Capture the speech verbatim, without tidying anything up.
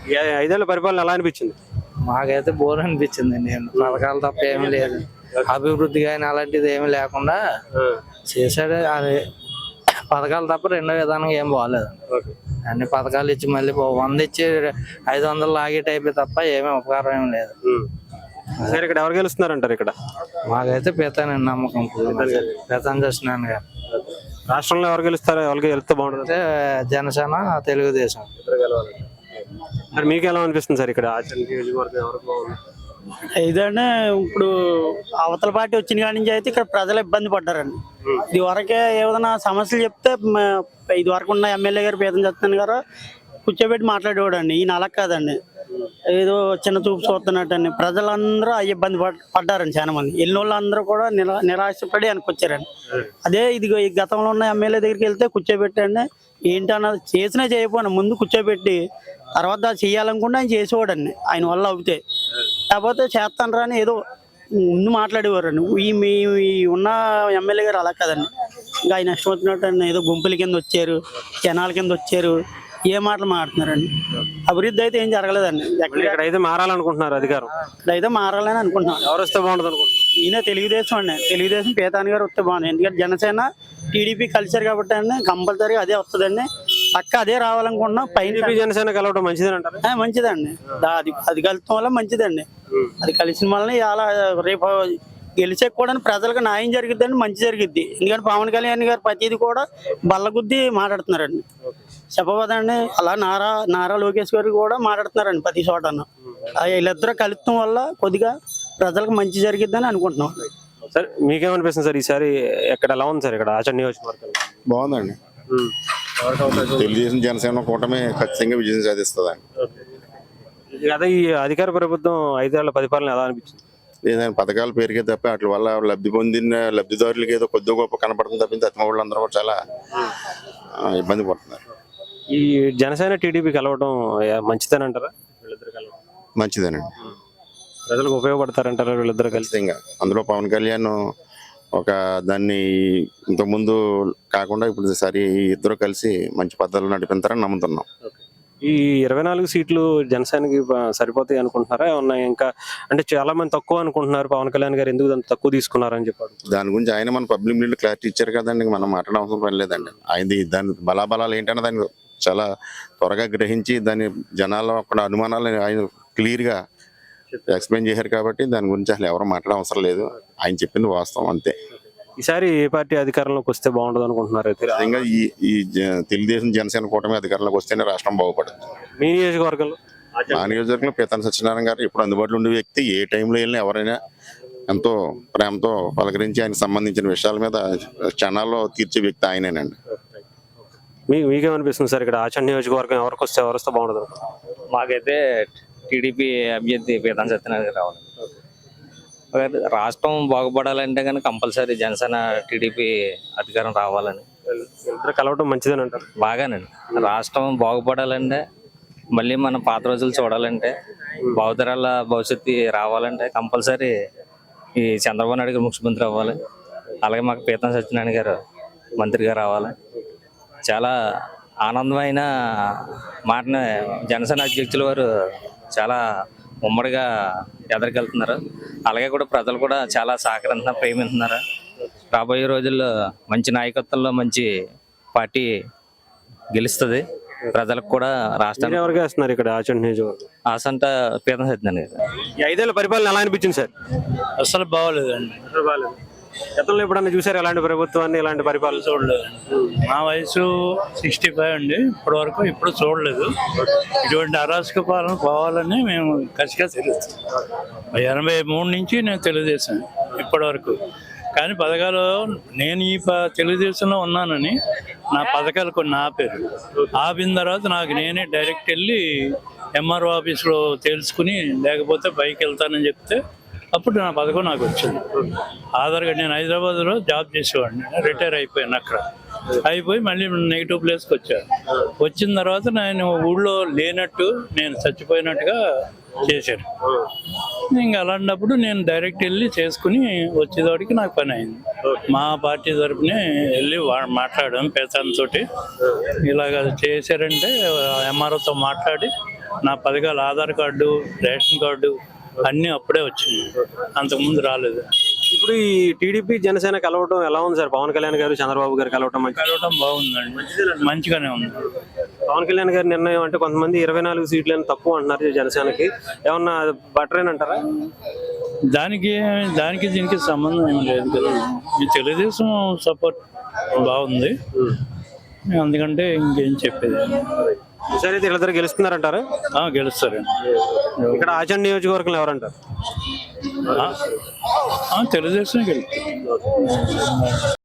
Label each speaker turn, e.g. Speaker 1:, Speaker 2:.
Speaker 1: ఈ ఐదేళ్ల పరిపాలన ఎలా అనిపించింది?
Speaker 2: మాకైతే బోర్ అనిపించింది. నేను పథకాలు తప్ప ఏమీ లేదు, అభివృద్ధి కానీ అలాంటిది ఏమీ లేకుండా చేశాడు. అది పథకాలు తప్ప రెండో విధానం ఏం బాగలేదు. అన్ని పథకాలు ఇచ్చి మళ్ళీ వంద ఇచ్చి ఐదు వందలు లాగే టైప్ తప్ప ఏమీ ఉపకారం ఏం లేదు.
Speaker 1: సరే, ఇక్కడ ఎవరు గెలుస్తున్నారంటారు? ఇక్కడ
Speaker 2: మాకైతే పీతానండి నమ్మకం, పీతాన్ చేస్తున్నాను గారు.
Speaker 1: రాష్ట్రంలో ఎవరు గెలుస్తారో, ఎవరికి గెలిస్తే బాగుంటుంది?
Speaker 2: జనసేన, తెలుగుదేశం.
Speaker 1: మరి మీకు ఎలా అనిపిస్తుంది సార్ ఇక్కడ ఆచరణ నియోజకవర్గం ఎవరికి బాగుంది?
Speaker 3: ఇదంటే ఇప్పుడు అవతల పార్టీ వచ్చిన కాడి నుంచి అయితే ఇక్కడ ప్రజలు ఇబ్బంది పడ్డారండి. ఇది వరకే ఏదైనా సమస్యలు చెప్తే ఇది వరకు ఉన్న ఎమ్మెల్యే గారు పీతం చేస్తాను గారు కూర్చోబెట్టి మాట్లాడేవాడు అండి. ఈయన అలా కాదండి, ఏదో చిన్న చూపు చూస్తున్నట్టండి. ప్రజలందరూ ఆ ఇబ్బంది పడ్డారండి. చాలా మంది వెళ్ళిన వాళ్ళు అందరూ కూడా నిరా నిరాశపడి వెనకొచ్చారండి. అదే ఇది ఈ గతంలో ఉన్న ఎమ్మెల్యే దగ్గరికి వెళ్తే కూర్చోబెట్టండి, ఏంటన్నది చేసినా చేయకపోయినా ముందు కూర్చోబెట్టి తర్వాత చేయాలనుకుంటే ఆయన చేసేవాడండి. ఆయన వల్ల అవుతాయి, కాకపోతే చేస్తాను రాని ఏదో ముందు మాట్లాడేవారండి. ఈ మీ ఉన్న ఎమ్మెల్యే గారు అలా కదండి, ఇంకా ఆయన ఇష్టం వచ్చినట్టు ఏదో గుంపుల కింద వచ్చారు, జనాల కింద వచ్చారు, ఏ మాటలు మాట్లాడుతున్నారండి. అభివృద్ధి అయితే ఏం జరగలేదండి.
Speaker 1: ఇక్కడైతే మారాలనుకుంటున్నారు అధికారం,
Speaker 3: ఇక్కడైతే మారాలని అనుకుంటున్నాం.
Speaker 1: ఎవరు వస్తే బాగుంటుంది అనుకుంటున్నారు?
Speaker 3: ఈయన తెలుగుదేశం అండి, తెలుగుదేశం పీతాన్ గారు వస్తే బాగుంది. ఎందుకంటే జనసేన టీడీపీ కలిసారు కాబట్టి అండి కంపల్సరీ అదే వస్తుందండి, పక్క అదే రావాలనుకుంటున్నాం. పైన
Speaker 1: జనసేన కలవడం మంచిదేనంటారు?
Speaker 3: మంచిదండి, అది అది కలవడం వల్ల మంచిదండి. అది కలిసిన వల్ల ఇలా రేపు గెలిచే కూడా ప్రజలకు న్యాయం జరిగిద్దండి, మంచి జరిగిద్ది. ఎందుకంటే పవన్ కళ్యాణ్ గారు ప్రతిది కూడా బల్లగుద్ది మాట్లాడుతున్నారండి. చెప్పబోదండి, అలా నారా నారా లోకేష్ గారు కూడా మాట్లాడుతున్నారండి ప్రతి చోట. వీళ్ళిద్దరూ కలుపుతాం వల్ల కొద్దిగా ప్రజలకు మంచి జరిగిద్దని అనుకుంటున్నాం.
Speaker 1: సార్ మీకేమనిపిస్తుంది సార్ ఈసారి ఎక్కడ ఎలా ఉంది సార్ ఇక్కడ ఆచరణ నియోజకవర్గం?
Speaker 4: బాగుందండి, తెలుగుదేశం జనసేన కూటమి ఖచ్చితంగా విజయం సాధిస్తుందండి.
Speaker 1: అదే ఈ అధికార ప్రభుత్వం ఐదేళ్ల పరిపాలన ఎలా అనిపించింది?
Speaker 4: ఏదైనా పథకాలు పేరుకే తప్ప వాటి వల్ల లబ్ధి పొందిన లబ్ధిదారులకి ఏదో కొద్ది గొప్ప కనపడుతుంది తప్పింది అతమ వాళ్ళందరూ కూడా చాలా ఇబ్బంది పడుతున్నారు.
Speaker 1: ఈ జనసేన టీడీపీ కలవడం మంచిదేనంటారా? వీళ్ళిద్దరు కలవడం
Speaker 4: మంచిదేనండి,
Speaker 1: ప్రజలకు ఉపయోగపడతారంటారా వీళ్ళిద్దరు కలిసి?
Speaker 4: ఇంకా అందులో పవన్ కళ్యాణ్ ఒక దాన్ని ఇంతకుముందు కాకుండా ఇప్పుడు సరి ఇద్దరు కలిసి మంచి పద్ధతులు నడిపిస్తారని నమ్ముతున్నాం.
Speaker 1: ఈ ఇరవై నాలుగు సీట్లు జనసేనకి సరిపోతాయి అనుకుంటున్నారా? ఏమన్నా ఇంకా అంటే చాలా మంది తక్కువ అనుకుంటున్నారు, పవన్ కళ్యాణ్ గారు ఎందుకు దాన్ని తక్కువ తీసుకున్నారని చెప్పారు.
Speaker 4: దాని గురించి ఆయన మన పబ్లిక్ మీడియా క్లారిటీ ఇచ్చారు కదండి, మనం మాట్లాడవలసిన పని లేదండి. ఆయన దాని బలాబలాలు ఏంటంటే దాన్ని చాలా త్వరగా గ్రహించి దాని జనాల్లో అక్కడ అనుమానాలు ఆయన క్లియర్గా ఎక్స్ప్లెయిన్ చేశారు కాబట్టి దాని గురించి అసలు ఎవరు మాట్లాడడం అవసరం లేదు. ఆయన చెప్పింది వాస్తవం అంతే.
Speaker 1: ఈసారి ఏ పార్టీ అధికారంలోకి వస్తే బాగుంటుంది అనుకుంటున్నారు?
Speaker 4: ఇంకా ఈ ఈ తెలుగుదేశం జనసేన కూటమి అధికారంలోకి వస్తేనే రాష్ట్రం బాగుపడుతుంది.
Speaker 1: మీ నియోజకవర్గంలో?
Speaker 4: మా నియోజకవర్గంలో పీతాన్ సత్యనారాయణ గారు ఇప్పుడు అందుబాటులో ఉండే వ్యక్తి. ఏ టైంలో వెళ్ళినా ఎవరైనా ఎంతో ప్రేమతో పలకరించి ఆయనకు సంబంధించిన విషయాల మీద క్షణాల్లో తీర్చే వ్యక్తి ఆయనేనండి.
Speaker 1: మీకు మీకేమనిపిస్తుంది సార్ ఇక్కడ ఆచరణ నియోజకవర్గం ఎవరికి వస్తే ఎవరు వస్తే బాగుంటుంది?
Speaker 5: మాకైతే టీడీపీ అభ్యర్థి పీతాన్ సత్యనారాయణ గారు రావాలి. రాష్ట్రం బాగుపడాలంటే కానీ కంపల్సరీ జనసేన టీడీపీ అధికారం రావాలని.
Speaker 1: ఇద్దరు కలవడం మంచిదేనంటారు?
Speaker 5: బాగానండి, రాష్ట్రం బాగుపడాలంటే మళ్ళీ మన పాత రోజులు చూడాలంటే భావితరాల భవిష్యత్తు రావాలంటే కంపల్సరీ ఈ చంద్రబాబు నాయుడు గారు ముఖ్యమంత్రి అవ్వాలి. అలాగే మాకు పీతాన్ సత్యనారాయణ గారు మంత్రిగా రావాలి. చాలా ఆనందమైన మాటని జనసేన అధ్యక్షుల వారు చాలా ఉమ్మడిగా ఎదరికెళ్తున్నారు. అలాగే కూడా ప్రజలు కూడా చాలా సహకరిస్తున్నారు, ప్రేమిస్తున్నారు. రాబోయే రోజుల్లో మంచి నాయకత్వంలో మంచి పార్టీ గెలుస్తుంది. ప్రజలకు కూడా రాష్ట్రాన్ని
Speaker 1: ఎవరికి వేస్తున్నారు ఇక్కడ ఆచరణ నియోజకవర్గం?
Speaker 5: ఆసంట పీతాన్ సత్యనారాయణ గారు.
Speaker 1: ఈ ఐదేళ్ల పరిపాలన ఎలా అనిపించింది సార్?
Speaker 3: అసలు బాగోలేదండి.
Speaker 1: బాగాలేదు. గతంలో ఎప్పుడన్నా చూసారు ఎలాంటి ప్రభుత్వాన్ని, ఎలాంటి పరిపాలన?
Speaker 3: చూడలేదు. మా వయసు సిక్స్టీ ఫైవ్ అండి, ఇప్పటి వరకు ఇప్పుడు చూడలేదు. ఇటువంటి అరాచక పాలన పోవాలని మేము కసిగా తిరుగుతాం. ఎనభై మూడు నుంచి నేను తెలుగుదేశం ఇప్పటి వరకు. కానీ పథకాలు నేను ఈ తెలుగుదేశంలో ఉన్నానని నా పథకాలు కొన్ని ఆపారు. ఆపిన తర్వాత నాకు నేనే డైరెక్ట్ వెళ్ళి ఎంఆర్ఓ ఆఫీస్లో తెలుసుకుని లేకపోతే పైకి వెళ్తానని చెప్తే అప్పుడు నా పథకం నాకు వచ్చింది. ఆధార్ కార్డు నేను హైదరాబాద్లో జాబ్ చేసేవాడిని, రిటైర్ అయిపోయాను. అక్కడ అయిపోయి మళ్ళీ నెగిటివ్ ప్లేస్కి వచ్చాను. వచ్చిన తర్వాత నేను ఊళ్ళో లేనట్టు నేను చచ్చిపోయినట్టుగా చేశాను. ఇంకా అలాంటప్పుడు నేను డైరెక్ట్ వెళ్ళి చేసుకుని వచ్చేవాడికి నాకు పని అయింది. మా పార్టీ తరఫునే వెళ్ళి మాట్లాడాం పీతాన్ తోటి. ఇలాగ చేశారంటే ఎంఆర్ఓతో మాట్లాడి నా పథకాలు ఆధార్ కార్డు, రేషన్ కార్డు అన్నీ అప్పుడే వచ్చినాయి, అంతకుముందు రాలేదు.
Speaker 1: ఇప్పుడు ఈ టీడీపీ జనసేన కలవటం ఎలా ఉంది సార్? పవన్ కళ్యాణ్ గారు చంద్రబాబు గారు కలవటం మంచి
Speaker 3: కలవటం బాగుందండి, మంచిగానే ఉంది.
Speaker 1: పవన్ కళ్యాణ్ గారి నిర్ణయం అంటే కొంతమంది ఇరవై నాలుగు సీట్లని తక్కువ అంటున్నారు జనసేనకి, ఏమన్నా బెటరేనంటారా?
Speaker 3: దానికి దానికి దీనికి సంబంధం ఏం లేదు కదా. ఈ తెలుగుదేశం సపోర్ట్ బాగుంది, అందుకంటే ఇంకేం చెప్పేది.
Speaker 1: సరే అయితే వీళ్ళిద్దరు గెలుస్తున్నారంటారా?
Speaker 3: ఆ, గెలుస్తారండి.
Speaker 1: ఇక్కడ ఆచండ్ నియోజకవర్గంలో ఎవరంటారు?
Speaker 3: ఆ, ఆ, తెలుగుదేశం గెలుస్తారు.